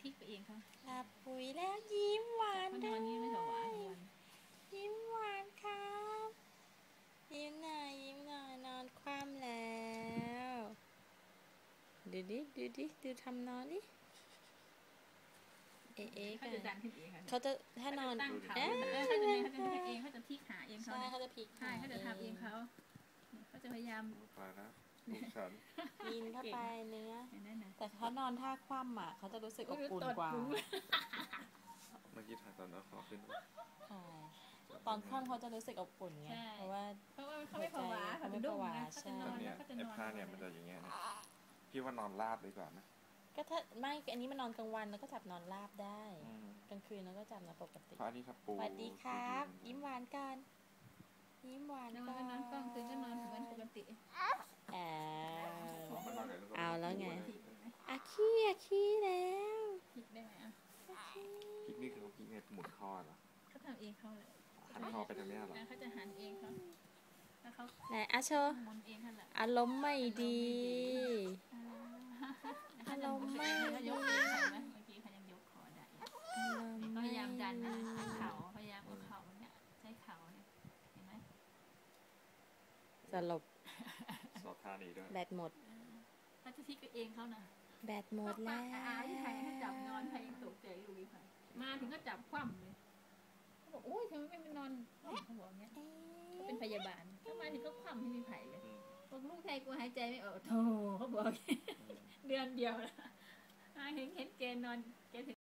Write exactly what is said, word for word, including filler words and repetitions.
ทิกไปเองเขาหลับปุ๋ยแล้วยิ้มหวานด้วนอนนี่ไม่ถวายยยิ้มหวานครับยิ้มหน่อยยิ้มหน่อยนอนคว่ำแล้วดูดิดูดิดูทำนอนดิเอ๊ะเขาจะดันขึ้นเองค่ะเขาจะถ้านอนตั้งเขาเขาจะเขาจะเองเขาจะพลิกขาเองเขาใช่เขาจะพลิกใช่เขาจะทำเองเขาเขาจะพยายามไปนะลูกฉันยินเข้าไปเนื้อนั่นนะแต่เขานอนท่าคว่ำอ่ะเขาจะรู้สึกอบอุ่นกว่าเมื่อกี้ถ่ายตอนเอาคอขึ้นใช่ตอนคว่ำเขาจะรู้สึกอบอุ่นไงเพราะว่าเพราะว่าเขาไม่ผวาเขาไม่ผวาเขาจะนอนเนี่ยไอ้ผ้าเนี่ยมันจะอย่างเงี้ยนะพี่ว่านอนราบดีกว่านะก็ถ้าไม่อันนี้มันนอนกลางวันแล้วก็จับนอนราบได้กลางคืนแล้วก็จับนอนปกติเพราะอันนี้ถ้าปูสวัสดีครับยิ้มหวานกันยิ้มหวานกันนอนกลางคืนก็นอนเหมือนปกติแอบเอาแล้วไงอาขี้อาขี้แล้วพลิกได้ไหมอ่ะพลิกนี่คือเขาพลิกไงหมุนคอเหรอเขาทำเองเขาเลยหันคอไปทางนี้เหรอเขาจะหันเองเขาแล้วเขาไหนอาโชอารมณ์ไม่ดีอารมณ์ไม่ดีเมื่อกี้เขายังยกคอได้พยายามดันเข่าพยายามเอาเข่าเนี่ยใช้เข่าเนี่ยเห็นไหมสลบสอบท่านี้ด้วยแบตหมดเขาจะทิ้งเองเขานะแบตหมดแล้วอาที่ไทยเขาจับนอนไทยยังตกใจอยู่อีกค่ะมาถึงก็จับคว่ำเลยเขาบอกโอ้ยทำไมไม่ไปนอนเขาบอกเงี้ยเขาเป็นพยาบาลเขามาถึงก็คว่ำที่มีไผ่เลยบอกลูกไทยกูหายใจไม่ออกโธ่เขาบอกเดือนเดียวแล้วเห็นเห็นแกนอนแกถึง